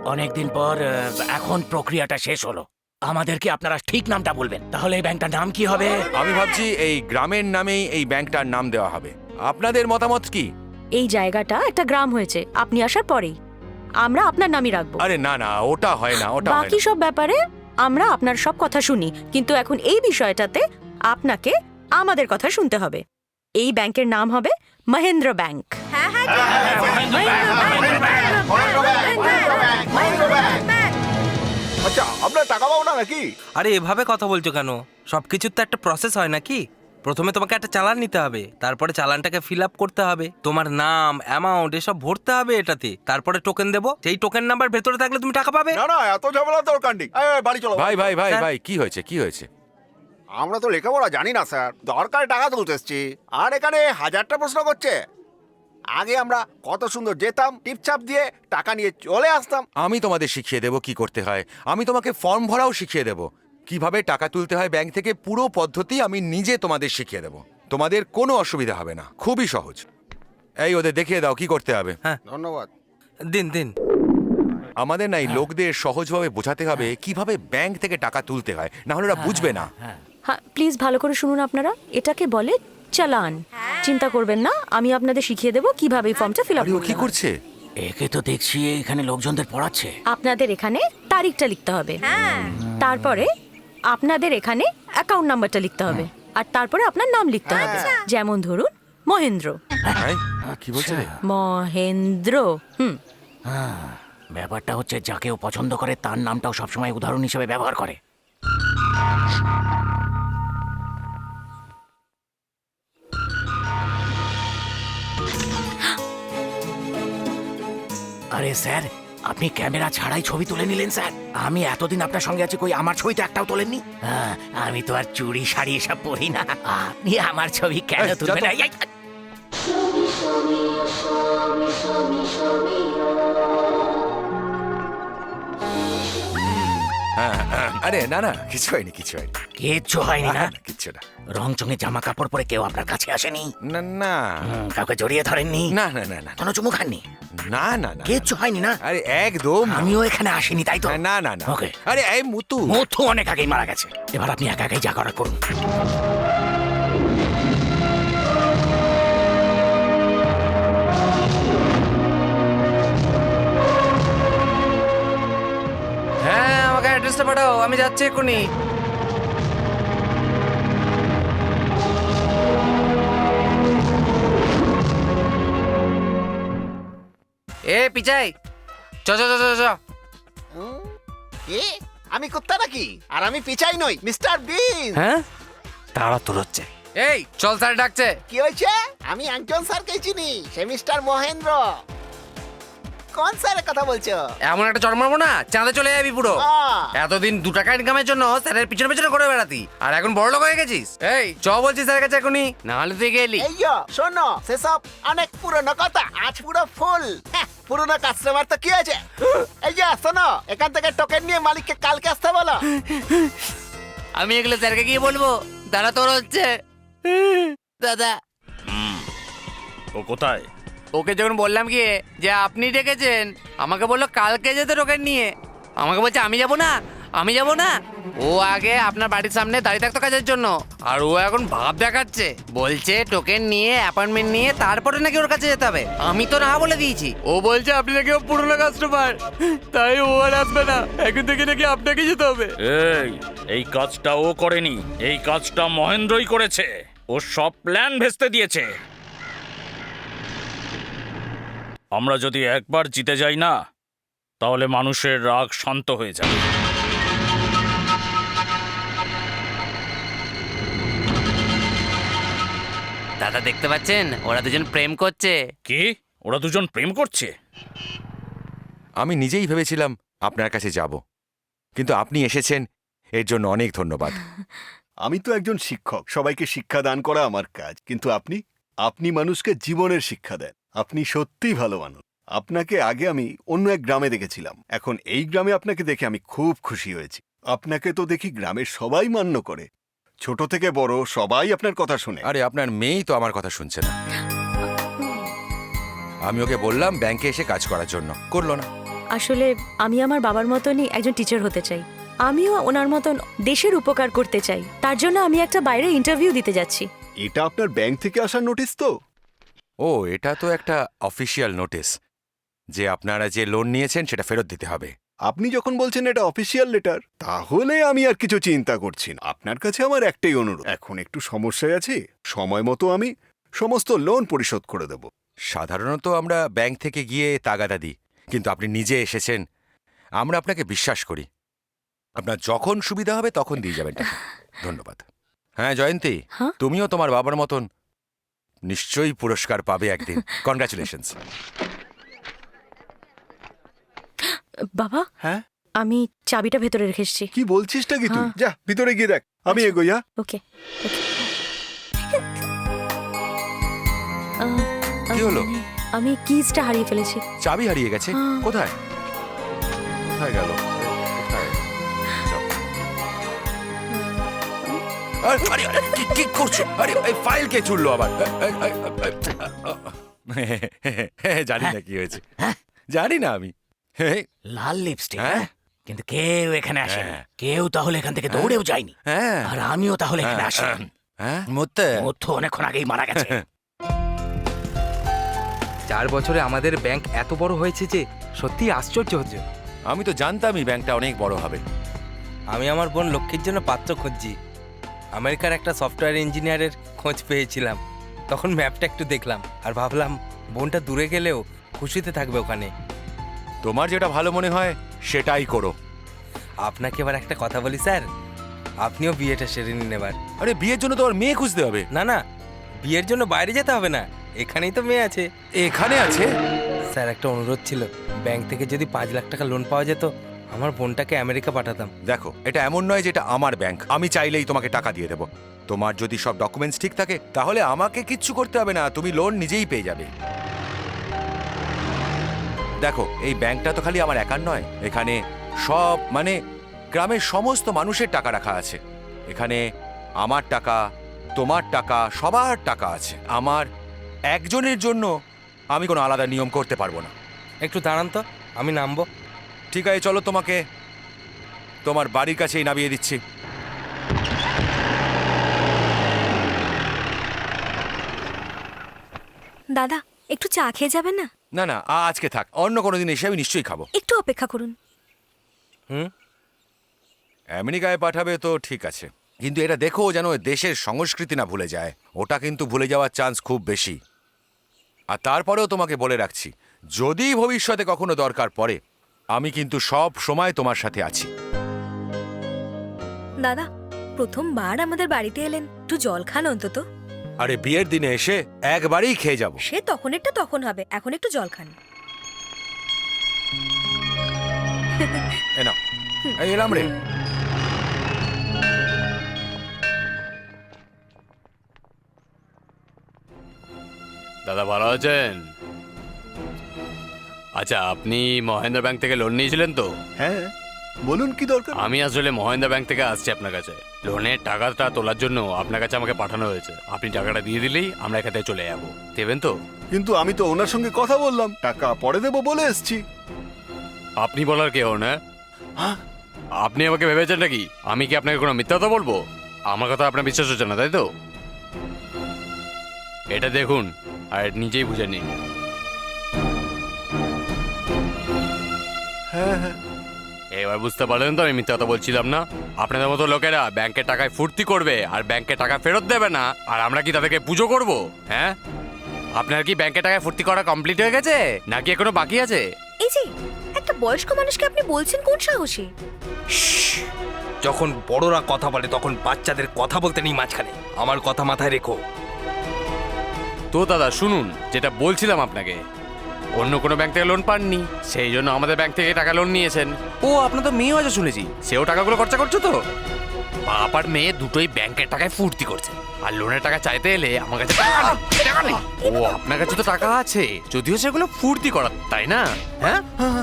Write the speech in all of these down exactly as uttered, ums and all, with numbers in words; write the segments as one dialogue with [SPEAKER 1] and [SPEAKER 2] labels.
[SPEAKER 1] অনেকদিন পর আহ, এখন প্রক্রিয়াটা শেষ হলো। আমাদেরকে আপনারা ঠিক নামটা বলবেন, তাহলে এই ব্যাংকটার নাম কি হবে?
[SPEAKER 2] আমি ভাবছি এই গ্রামের নামেই এই ব্যাংকটার নাম দেওয়া হবে। আপনাদের মতামত কি?
[SPEAKER 3] এই জায়গাটা একটা গ্রাম হয়েছে আপনি আসার পরেই, আমরা আপনার নামই রাখবো।
[SPEAKER 2] আরে না না, ওটা হয় না, ওটা হয়
[SPEAKER 3] বাকি
[SPEAKER 2] না।
[SPEAKER 3] সব ব্যাপারে আমরা আপনার সব কথা শুনি, কিন্তু এখন এই বিষয়টাতে আপনাকে আমাদের কথা শুনতে হবে। এই ব্যাংকের নাম হবে মহেন্দ্র ব্যাংক।
[SPEAKER 4] আচ্ছা, আপনার টাকা পাবো না নাকি?
[SPEAKER 5] আরে এভাবে কথা বলছো কেন? সবকিছুর তো একটা প্রসেস হয় নাকি? প্রথমে তোমাকে একটা চালান নিতে হবে, তারপরে চালানটাকে ফিল আপ করতে হবে, তোমার নাম, অ্যামাউন্ট এসব ভরতে হবে এটাতে, তারপরে টোকেন দেবো। সেই টোকেন নাম্বার ভেতরে থাকলে তুমি টাকা পাবে।
[SPEAKER 4] না না, এত ঝামেলা দরকার নেই। এই, এই, বাড়ি চলো।
[SPEAKER 2] ভাই ভাই ভাই
[SPEAKER 5] স্যার।
[SPEAKER 2] ভাই, কি হয়েছে কি হয়েছে?
[SPEAKER 4] আমরা তো লেখাপড়া জানি না স্যার, দরকার টাকা তুলতে এসছি, আর এখানে হাজারটা প্রশ্ন করছে। আগে আমরা কত সুন্দর যেতাম, টিপচাপ দিয়ে টাকা নিয়ে চলে আসতাম।
[SPEAKER 2] আমি তোমাদের শিখিয়ে দেবো কি করতে হয়। আমি তোমাকে ফর্ম ভরাও শিখিয়ে দেবো, কিভাবে টাকা তুলতে হয় ব্যাংক থেকে। পুরো পদ্ধতি আমি নিজে তোমাদের শিখিয়ে দেবো, তোমাদের কোনো অসুবিধা হবে না, খুবই সহজ। এই ওদের দেখিয়ে দাও কি করতে হবে।
[SPEAKER 4] ধন্যবাদ।
[SPEAKER 5] দিন দিন।
[SPEAKER 2] আমাদের না এই লোকদের সহজভাবে বোঝাতে হবে কিভাবে ব্যাংক থেকে টাকা তুলতে হয়, না হলে ওরা বুঝবে না।
[SPEAKER 3] হ্যাঁ, প্লিজ ভালো করে শুনুন আপনারা, এটাকে বলে চালান। চিন্তা করবেন না, আমি আপনাদের শিখিয়ে দেবো কিভাবে এই ফর্মটা ফিল আপ
[SPEAKER 2] আরে ও কি
[SPEAKER 3] করতে হয়।
[SPEAKER 2] করছে?
[SPEAKER 1] একে তো দেখছি এখানে লোকজনদের পড়াচ্ছে।
[SPEAKER 3] আপনাদের এখানে তারিখটা লিখতে হবে, তারপরে আপনাদের এখানে অ্যাকাউন্ট নাম্বারটা লিখতে হবে, আর তারপরে আপনার নাম লিখতে হবে। যেমন ধরুন মহেন্দ্র।
[SPEAKER 2] হ্যাঁ, কি বলছে রে?
[SPEAKER 3] মহেন্দ্র। হুম।
[SPEAKER 1] হ্যাঁ, ব্যাপারটা হচ্ছে যাকে ও পছন্দ করে তার নামটাও সবসময় উদাহরণ হিসেবে ব্যবহার করে। আরে স্যার, আপনি ক্যামেরা ছাড়াই ছবি তুলে নিলেন স্যার। আমি এতদিন আপনার সঙ্গে আছি, কই আমার ছবি তো একটাও তোলেননি। হ্যাঁ, আমি তো আর চুড়ি শাড়ি এসব পরি না, আপনি আমার ছবি কেন
[SPEAKER 2] এই, যা
[SPEAKER 1] তুলবেন?
[SPEAKER 2] তো।
[SPEAKER 1] এই, এই,
[SPEAKER 2] হ্যাঁ, হ্যাঁ, আরে না না, কিছু হয়নি কিছু হয়নি।
[SPEAKER 1] কিচ্ছু হয়নি না?
[SPEAKER 2] না, না, কিচ্ছু না।
[SPEAKER 1] রং চঙে জামা কাপড় পরে কেউ আপনার কাছে আসেনি?
[SPEAKER 2] না না
[SPEAKER 1] হুম, কাউকে জড়িয়ে ধরেননি?
[SPEAKER 2] না না না না
[SPEAKER 1] কোনো চুমু খাননি?
[SPEAKER 2] না না না,
[SPEAKER 1] কিচ্ছু হয়নি না?
[SPEAKER 2] আরে একদম না।
[SPEAKER 1] আমিও এখানে আসিনি, তাই তো?
[SPEAKER 2] না না না।
[SPEAKER 1] ওকে।
[SPEAKER 2] আরে এই মুতু,
[SPEAKER 1] মথু অনেক আগেই মারা গেছে, এবার আপনি একা একাই যা করার করুন।
[SPEAKER 5] হ্যাঁ, আমাকে অ্যাড্রেসটা পাঠাও, আমি যাচ্ছি এক্ষুনি। এ পিচাই, চ চ চ চ চ।
[SPEAKER 4] হুম? কি? আমি কুত্তা নাকি? আর আমি পিছাই নই, মিস্টার বিন।
[SPEAKER 5] হ্যাঁ,
[SPEAKER 1] তারা তোর হচ্ছে।
[SPEAKER 5] এই চল, স্যার ডাকছে।
[SPEAKER 4] কি হয়েছে? আমি একজন স্যারকে চিনি, সে মিস্টার মহেন্দ্র। কোন স্যারের কথা বলছো?
[SPEAKER 5] এমন একটা চড় মারবো না, চাঁদে চলে যাবি পুরো।
[SPEAKER 4] আহ,
[SPEAKER 5] এতদিন দু টাকা ইনকামের জন্য স্যারের পিছনে পিছনে করে বেড়াতি, আর এখন বড় লোক হয়ে গেছিস। এই চ বলছি স্যারের কাছে এখনই, না হলে তুই গেলি।
[SPEAKER 4] এই যো, শোনো, সেসব অনেক পুরনো কথা, আজ পুরো ফুল। হ্যাঁ, পুরনো কাস্টমার তো কি আছে? এই যে শোনো, এখান থেকে টোকেন নিয়ে মালিককে কালকে আসতে বলো।
[SPEAKER 5] আমি এগুলো স্যারকে গিয়ে বলবো? দাদা তোর হচ্ছে দাদা।
[SPEAKER 6] ও কোথায়?
[SPEAKER 5] ওকে যখন বললাম গিয়ে যে আপনি ডেকেছেন, আমাকে বললো কালকে যেতে টোকেন নিয়ে। আমাকে বলছে আমি যাব না, আমি যাব না। ও আগে আপনার বাড়ির সামনে দাঁড়িয়ে থাকতো কাজের জন্য, আর ও এখন ভাব দেখাচ্ছে, বলছে টোকেন নিয়ে অ্যাপয়েন্টমেন্ট নিয়ে তারপরে নাকি ওর কাছে যেতে হবে। আমি তো না বলে দিয়েছি। ও বলছে আপনি নাকি ও পুরনো কাস্টমার, তাই ও আর আসবে না, এখন থেকে নাকি আপনাকে যেতে হবে।
[SPEAKER 6] এই এই কাজটা ও করেনি, এই কাজটা মহেন্দ্রই করেছে। ও সব প্ল্যান ভেস্তে দিয়েছে। আমরা যদি একবার জিতে যাই না, তাহলে মানুষের রাগ শান্ত হয়ে যাবে।
[SPEAKER 5] দাদা দেখতে পাচ্ছেন, ওরা দুজন প্রেম করছে।
[SPEAKER 6] কি? ওরা দুজন প্রেম করছে?
[SPEAKER 2] আমি নিজেই ভেবেছিলাম আপনার কাছে যাব, কিন্তু আপনি এসেছেন, এর জন্য অনেক ধন্যবাদ।
[SPEAKER 4] আমি তো একজন শিক্ষক, সবাইকে শিক্ষা দান করা আমার কাজ, কিন্তু আপনি আপনি মানুষকে জীবনের শিক্ষা দেন। আপনি সত্যিই ভালো মানুষ। আপনাকে আগে আমি অন্য এক গ্রামে দেখেছিলাম, এখন এই গ্রামে আপনাকে দেখে আমি খুব খুশি হয়েছি। আপনাকে তো দেখি গ্রামের সবাই মান্য করে, ছোট থেকে বড় সবাই আপনার কথা শুনে।
[SPEAKER 2] আরে আপনার মেয়েই তো আমার কথা শুনছে না। আমি ওকে বললাম ব্যাংকে এসে কাজ করার জন্য, করলো না।
[SPEAKER 3] আসলে আমি আমার বাবার মতনই একজন টিচার হতে চাই। আমিও ওনার মতন দেশের উপকার করতে চাই। তার জন্য আমি একটা বাইরে ইন্টারভিউ দিতে যাচ্ছি।
[SPEAKER 4] এটা আপনার ব্যাংক থেকে আসার নোটিশ তো?
[SPEAKER 2] ও, এটা তো একটা অফিসিয়াল নোটিশ যে আপনারা যে লোন নিয়েছেন সেটা ফেরত দিতে হবে।
[SPEAKER 4] আপনি যখন বলছেন এটা অফিসিয়াল লেটার, তাহলে আমি আর কিছু চিন্তা করছি না। আপনার কাছে আমার একটাই অনুরোধ, এখন একটু সমস্যায় আছি, সময় মতো আমি সমস্ত লোন পরিশোধ করে দেব।
[SPEAKER 2] সাধারণত আমরা ব্যাংক থেকে গিয়ে তাগাদা দিই, কিন্তু আপনি নিজে এসেছেন, আমরা আপনাকে বিশ্বাস করি। আপনার যখন সুবিধা হবে তখন দিয়ে যাবেন টাকা। ধন্যবাদ। হ্যাঁ জয়ন্তী,
[SPEAKER 3] হ্যাঁ?
[SPEAKER 2] তুমিও তোমার বাবার মতন নিশ্চয়ই পুরস্কার পাবে একদিন। কনগ্রাচুলেশনস।
[SPEAKER 3] বাবা,
[SPEAKER 4] হ্যাঁ,
[SPEAKER 3] আমি চাবিটা ভেতরে রেখে এসেছি।
[SPEAKER 4] কি বলছিসটা কি তুই?
[SPEAKER 3] হ্যাঁ।
[SPEAKER 4] যা ভিতরে গিয়ে দেখ, আমি এগোই। হ্যাঁ,
[SPEAKER 3] ওকে ওকে।
[SPEAKER 2] কি হলো?
[SPEAKER 3] আমি কিজটা হারিয়ে ফেলেছি।
[SPEAKER 2] চাবি হারিয়ে গেছে?
[SPEAKER 3] হ্যাঁ।
[SPEAKER 2] কোথায় কোথায় গেল? কোথায়? যাও। আরে, আরে, আরে, কি- কি করছো? আরে এই ফাইল কে চুললো আবার? এই, এই, এই, এই, জানি না কি হয়েছে, জানি না আমি। এই,
[SPEAKER 1] লাল লিপস্টিক,
[SPEAKER 2] হ্যাঁ?
[SPEAKER 1] কিন্তু কেউ এখানে আসেনি।
[SPEAKER 2] হ্যাঁ।
[SPEAKER 1] কেউ তাহলে এখান থেকে দৌড়েও যায়নি।
[SPEAKER 2] হ্যাঁ
[SPEAKER 1] আর আমিও তাহলে এখানে আসিনি।
[SPEAKER 2] হ্যাঁ মতে
[SPEAKER 1] মধ্য অনেকক্ষণ আগেই মারা গেছে।
[SPEAKER 7] চার বছরে আমাদের ব্যাংক এত বড় হয়েছে যে সত্যি আশ্চর্য হচ্ছে।
[SPEAKER 2] আমি তো জানতামই ব্যাংকটা অনেক বড় হবে।
[SPEAKER 7] আমি আমার বোন লক্ষ্মীর জন্য পাত্র খুঁজছি। আমেরিকার একটা সফটওয়্যার ইঞ্জিনিয়ারের খোঁজ পেয়েছিলাম। তখন ম্যাপটা একটু দেখলাম আর ভাবলাম বোনটা দূরে গেলেও খুশিতে থাকবে ওখানে।
[SPEAKER 2] তোমার যেটা ভালো মনে হয় সেটাই করো।
[SPEAKER 7] আপনাকে এবার একটা কথা বলি স্যার, আপনিও বিয়েটা সেরে নিন এবার।
[SPEAKER 2] আরে বিয়ের জন্য তোমার মেয়ে খুঁজতে হবে?
[SPEAKER 7] না না, বিয়ের জন্য বাইরে যেতে হবে না, এখানেই তো মেয়ে আছে।
[SPEAKER 2] এখানে আছে?
[SPEAKER 7] স্যার একটা অনুরোধ ছিল, ব্যাংক থেকে যদি পাঁচ লাখ টাকা লোন পাওয়া যেত আমার বোনটাকে আমেরিকা পাঠাতাম।
[SPEAKER 2] দেখো, এটা এমন নয় যে এটা আমার ব্যাংক, আমি চাইলেই তোমাকে টাকা দিয়ে দেবো। তোমার যদি সব ডকুমেন্টস ঠিক থাকে তাহলে আমাকে কিচ্ছু করতে হবে না, তুমি লোন নিজেই পেয়ে যাবে। দেখো, এই ব্যাংকটা তো খালি আমার একার নয়, এখানে সব মানে গ্রামের সমস্ত মানুষের টাকা রাখা আছে। এখানে আমার টাকা, তোমার টাকা, সবার টাকা আছে। আমার একজনের জন্য আমি কোনো আলাদা নিয়ম করতে পারবো না।
[SPEAKER 7] একটু দাঁড়ান তো, আমি নামবো।
[SPEAKER 2] ঠিক আছে, চলো তোমাকে তোমার বাড়ির কাছেই নামিয়ে দিচ্ছি।
[SPEAKER 8] দাদা, একটু চা খেয়ে যাবেন না?
[SPEAKER 2] না না, আ- আজকে থাক, অন্য কোনো দিন এসে আমি নিশ্চয়ই খাবো।
[SPEAKER 8] একটু অপেক্ষা করুন।
[SPEAKER 7] হুম,
[SPEAKER 2] আমেরিকায় পাঠাবে তো ঠিক আছে, কিন্তু এটা দেখো যেন ওই দেশের সংস্কৃতি না ভুলে যায়। ওটা কিন্তু ভুলে যাওয়ার চান্স খুব বেশি। আর তারপরেও তোমাকে বলে রাখছি, যদি ভবিষ্যতে কখনো দরকার পড়ে আমি কিন্তু সব সময় তোমার সাথে আছি।
[SPEAKER 8] দাদা, প্রথমবার আমাদের বাড়িতে এলেন, একটু জল খান অন্তত।
[SPEAKER 2] আরে বিয়ের দিনে এসে একবারেই খেয়ে যাব।
[SPEAKER 8] সে তখন একটা তখন হবে, এখন একটু জল খান।
[SPEAKER 2] এ নাও, এই এলাম রে।
[SPEAKER 5] দাদা ভালো আছেন? আচ্ছা, আপনি মহেন্দ্র ব্যাংক থেকে লোন নিয়েছিলেন তো?
[SPEAKER 4] হ্যাঁ, বলুন কি দরকার?
[SPEAKER 5] আমি আসলে মহেন্দ্র ব্যাংক থেকে আসছি আপনার কাছে। লোনের টাকাটা তোলার জন্য আপনার কাছে আমাকে পাঠানো হয়েছে। আপনি টাকাটা দিয়ে দিলেই আমরা এখান থেকে চলে যাবো। দেবেন তো?
[SPEAKER 4] কিন্তু আমি তো ওনার সঙ্গে কথা বললাম, টাকা পরে দেবো বলে এসছি।
[SPEAKER 5] আপনি বলার কে হন? হ্যাঁ, আপনি আমাকে ভেবেছেন নাকি আমি কি আপনাকে কোনো মিথ্যা কথা বলবো? আমার কথা আপনার বিশ্বাস হচ্ছে না, তাই তো? এটা দেখুন আর নিজেই বুঝে নিন।
[SPEAKER 4] হ্যাঁ হ্যাঁ,
[SPEAKER 5] এবার বুঝতে পারলেন তো আমি মিথ্যা কথা বলছিলাম না? আপনাদের মতো লোকেরা ব্যাংকের টাকায় ফুর্তি করবে আর ব্যাংকের টাকা ফেরত দেবে না, আর আমরা কি তাদেরকে পুজো করব? হ্যাঁ, আপনার কি ব্যাংকের টাকায় ফুর্তি করা কমপ্লিট হয়ে গেছে নাকি এখনো বাকি আছে?
[SPEAKER 8] এই যে একটা বয়স্ক মানুষকে আপনি বলছেন কোন সাহসে?
[SPEAKER 7] যখন বড়রা কথা বলে তখন বাচ্চাদের কথা বলতে নেই মাঝখানে, আমার কথা মাথায় রেখো।
[SPEAKER 5] তো দাদা শুনুন, যেটা বলছিলাম আপনাকে, অন্য কোনো ব্যাংক থেকে লোন পাননি, সেই জন্য আমাদের ব্যাংক থেকে টাকা লোন নিয়েছেন। ও আপনার তো মেয়েও আছে শুনেছি, সেও টাকাগুলো খরচা করছো তো? বাপ আর মেয়ে দুটোই ব্যাংকের টাকায় ফুর্তি করছে, আর লোনের টাকা চাইতে এলে আমার কাছে টাকা নেই, টাকা নেই। ও আপনার কাছে তো টাকা আছে, যদিও সেগুলো ফুর্তি করার, তাই না? হ্যাঁ,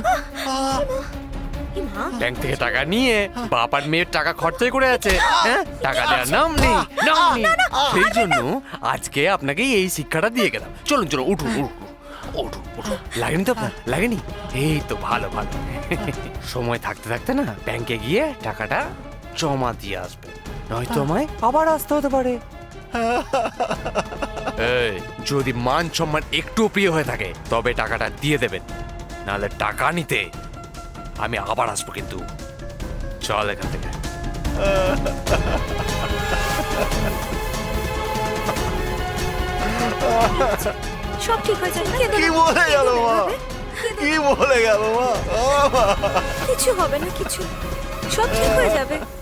[SPEAKER 8] এ মা,
[SPEAKER 5] ব্যাংক থেকে টাকা নিয়ে বাপ আর মেয়ের টাকা খরচাই করে আছে। হ্যাঁ, টাকা দেওয়ার নাম নেই, নাম নেই। সেই জন্য আজকে আপনাকে এই শিক্ষাটা দিয়ে গেলাম। চলুন চলুন, উঠুন উঠুন। ওঠো ওঠো লাগেনি তো আপনার লাগেনি এই তো ভালো ভালো সময় থাকতে থাকতে না ব্যাংকে গিয়ে টাকাটা জমা দিয়ে আসবে নয়তো আমায় আবার আসতে হতে পারে এই, যদি মান সম্মান একটু প্রিয় হয়ে থাকে তবে টাকাটা দিয়ে দেবেন নাহলে টাকা নিতে আমি আবার আসবো কিন্তু চল এখান থেকে
[SPEAKER 3] সব ঠিক হয়ে যাবে, কেঁদো
[SPEAKER 4] কি
[SPEAKER 3] না।
[SPEAKER 4] বলে গেল মা কি বলে গেল মা
[SPEAKER 3] কিছু হবে না, কিছু সব ঠিক হয়ে যাবে।